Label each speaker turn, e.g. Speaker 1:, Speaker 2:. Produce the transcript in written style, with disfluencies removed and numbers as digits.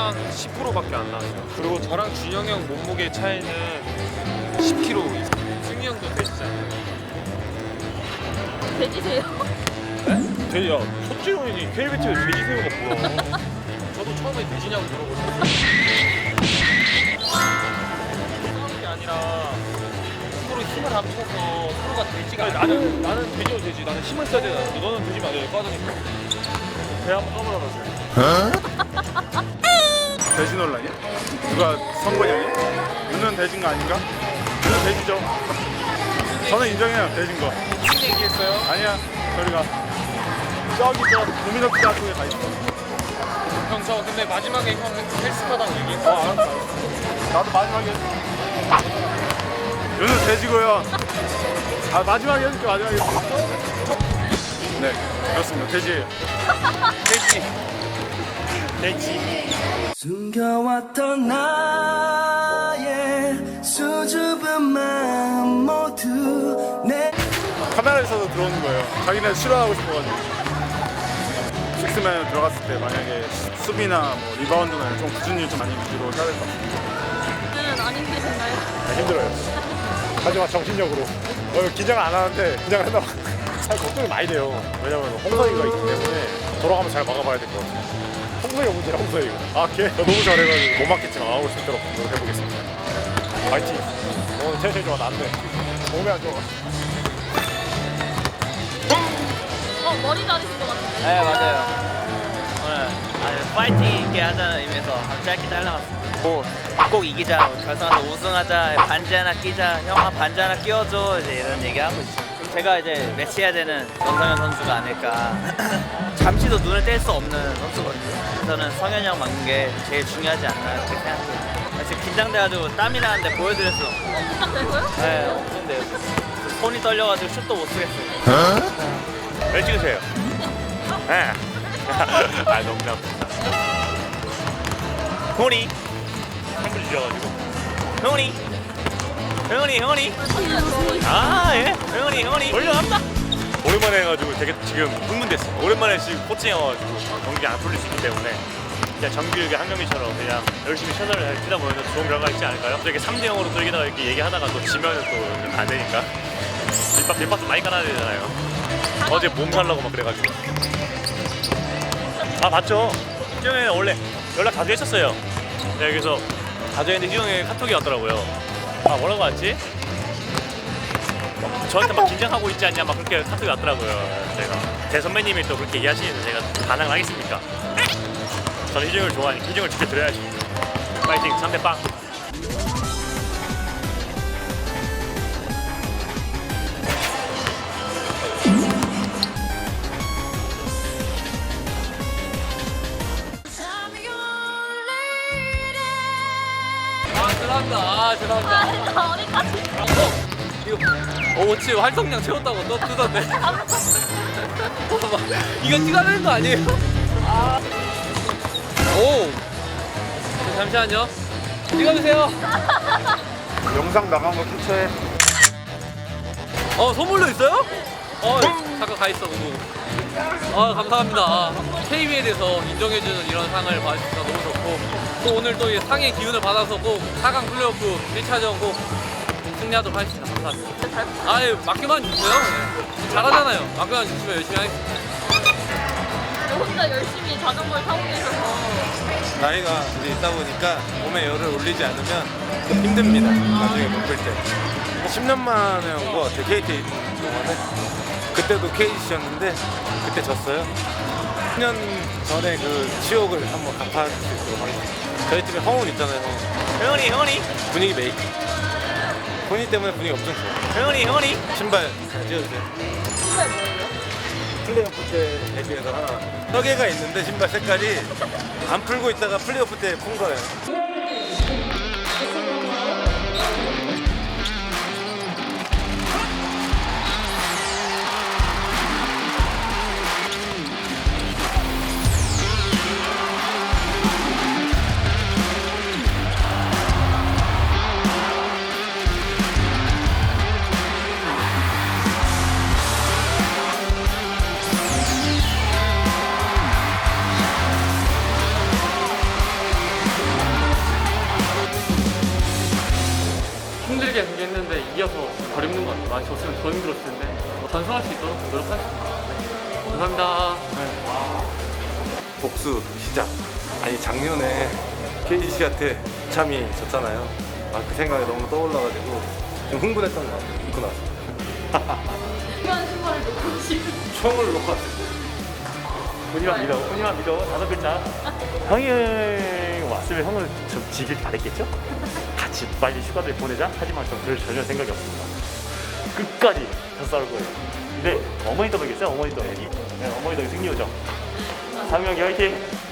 Speaker 1: 저랑 10%밖에 안 나요. 그리고 저랑 준영이 형 몸무게 차이는 10kg. 승희 형도 돼지잖아요.
Speaker 2: 돼지세요?
Speaker 1: 돼지야, 첫째형이니 KBT에 돼지새우가 뭐야? 저도 처음에 돼지냐고 물어보셨어요. 싸우는 게 아니라 서로 힘을 합쳐서 서로가 돼지가 아니, 나는 돼지도 돼지. 나는 힘을 써야 되잖아. 너는 돼지면 안 돼. 빠지니까. 배 한번 까불어보세요.
Speaker 3: 돼지 논란이야? 누가 선거냐니? 윤은 돼지인 거 아닌가? 윤은 돼지죠. 저는 인정해요, 돼지인 거.
Speaker 1: 무슨 얘기했어요?
Speaker 3: 아니야, 저리가. 저기 저 도미노피자 쪽에 가 있어.
Speaker 1: 형, 저 근데 마지막에 형 헬스하다고 얘기했어.
Speaker 3: 알았어. 나도 마지막에. 윤은 돼지고요. 아, 마지막에 해줄게, 마지막에. 네, 그렇습니다. 돼지예요.
Speaker 1: 돼지.
Speaker 3: 돼지.
Speaker 4: 숨겨왔던 나의 수줍은 마음 모두 내
Speaker 3: 카메라에서도 들어오는 거예요. 자기네 싫어하고 싶어가지고. 식스맨 들어갔을 때 만약에 수비나 뭐 리바운드나 좀 굳은 일 좀 많이 위주로 해야 될 것 같아요.
Speaker 2: 안 힘드신가요?
Speaker 3: 힘들어요. 하지만 정신력으로. 긴장을 안 하는데 긴장을 한다고 사실 걱정이 많이 돼요. 왜냐면 홍서이가 있기 때문에 돌아가면 잘 막아봐야 될 것 같아요. 홍서이가 문제야, 홍서이가. 아, 걔? 너무 잘해가지고 못 막겠지만 막아볼 수 있도록 노력해보겠습니다. 파이팅. 오늘 텐션이 좋아, 나한테. 몸이 안 좋아.
Speaker 2: 머리 자르신 것 같은데.
Speaker 5: 네, 맞아요. 오늘 아주 파이팅 있게 하자는 의미에서 아주 짧게 잘라봤습니다. 꼭 이기자, 결승에서 우승하자, 반지 하나 끼자, 형아 반지 하나 끼워줘, 이제 이런 얘기하고 있어요. 제가 이제 매치해야 되는 원성현 선수가 아닐까. 잠시도 눈을 뗄 수 없는 선수거든요. 저는 성현이 형 막는 게 제일 중요하지 않나 이렇게 생각해요. 지금 긴장돼가지고 땀이 나는데 보여드릴 수 없어요.
Speaker 2: 긴장되고요?
Speaker 5: 네, 없는데요. 손이 떨려가지고 슛도 못 쓰겠어요.
Speaker 3: 왜 찍으세요? 네. 아, 농담.
Speaker 5: 호니,
Speaker 3: 한분 주셔가지고.
Speaker 5: 형이, 형이. 아, 예, 형이. 올려갑니다.
Speaker 3: 오랜만에 해가지고 되게 지금 흥분됐어. 오랜만에 지금 코칭해 와가지고 경기 안 풀릴 수 있기 때문에 그냥 정규리그 한 경기처럼 그냥 열심히 최선을 다해 뛰다 보면 좋은 결과가 있지 않을까요? 이렇게 3대0으로 또 이기다가 이렇게 얘기하다가 또 지면은 또 안 되니까 밑밥도 많이 깔아야 되잖아요. 어제 몸 살라고 막 그래가지고. 아, 맞죠? 희정이는 원래 연락 자주 했었어요. 네, 그래서 자주 했는데 희정이 카톡이 왔더라고요. 아, 뭐라고 왔지? 저한테 막 긴장하고 있지 않냐 막 그렇게 카톡이 왔더라고요. 제가 제 선배님이 또 그렇게 얘기하시는데 제가 반항을 하겠습니까? 저는 희정을 좋아하니까 희정을 지켜드려야지. 파이팅 3대 빵.
Speaker 1: 죄송합니다.
Speaker 2: 어디까지?
Speaker 1: 이거 어치 활성량 채웠다고 또 뜨던데. 이거 찍어야 되는 거 아니에요? 오. 잠시만요. 찍어주세요.
Speaker 3: 영상 나간 거 캡처해.
Speaker 1: 선물로 있어요? 잠깐 가 있어 누구. 감사합니다. KBL에서 인정해주는 이런 상을 받으셔서 너무 좋고 또 오늘 또 이 상의 기운을 받아서 꼭 4강 플레이오프 1차전 꼭 승리하도록 하겠습니다. 감사합니다. 아유, 맡겨만 주세요. 네. 잘하잖아요. 맡겨만 주시면 열심히 하겠습니다.
Speaker 2: 혼자 열심히 자전거를 타고 계셔서
Speaker 6: 나이가 이제 있다 보니까 몸에 열을 올리지 않으면 힘듭니다. 나중에 바쁠 때. 10년 만에 온 것 같아요. KT에 있는 동안에. 그때도 KT였는데 그때 졌어요. 10년 전에 그 치욕을 한번 갚아줄 수 있도록 하겠습니다. 저희 팀에 허운 있잖아요.
Speaker 5: 형이.
Speaker 6: 분위기 메이크. 본인 때문에 분위기 엄청 좋아요.
Speaker 5: 형이.
Speaker 6: 신발 잘 찍어주세요.
Speaker 2: 신발 뭐예요?
Speaker 6: 플레이오프 때 데뷔해서 하나. 턱에가 있는데 신발 색깔이 안 풀고 있다가 플레이오프 때 푼 거예요.
Speaker 1: 이겨서 덜 힘든 것 같아요. 많이 졌으면 더 힘들었을 텐데 전승할 수 있도록 노력하겠습니다. 네. 감사합니다.
Speaker 6: 복수 시작. 아니 작년에 KGC한테 참이 졌잖아요. 아, 그 생각이 너무 떠올라가지고 좀 흥분했던 것 같아요. 입고 나서.
Speaker 2: 이런 신발을 놓고 싶은.
Speaker 6: 총을 놓고 왔어요.
Speaker 3: 훈이만 믿어. 5글자. 형이 왔으면 형을 좀 지길 바랬겠죠? 같이 빨리 휴가를 보내자. 하지만 전 그럴 전혀 생각이 없습니다. 끝까지 더 싸울 거예요. 근데 어머니 더보겠어요? 어머니 더보기. 네, 어머니 더보기 승리 요정. 상명이 화이팅!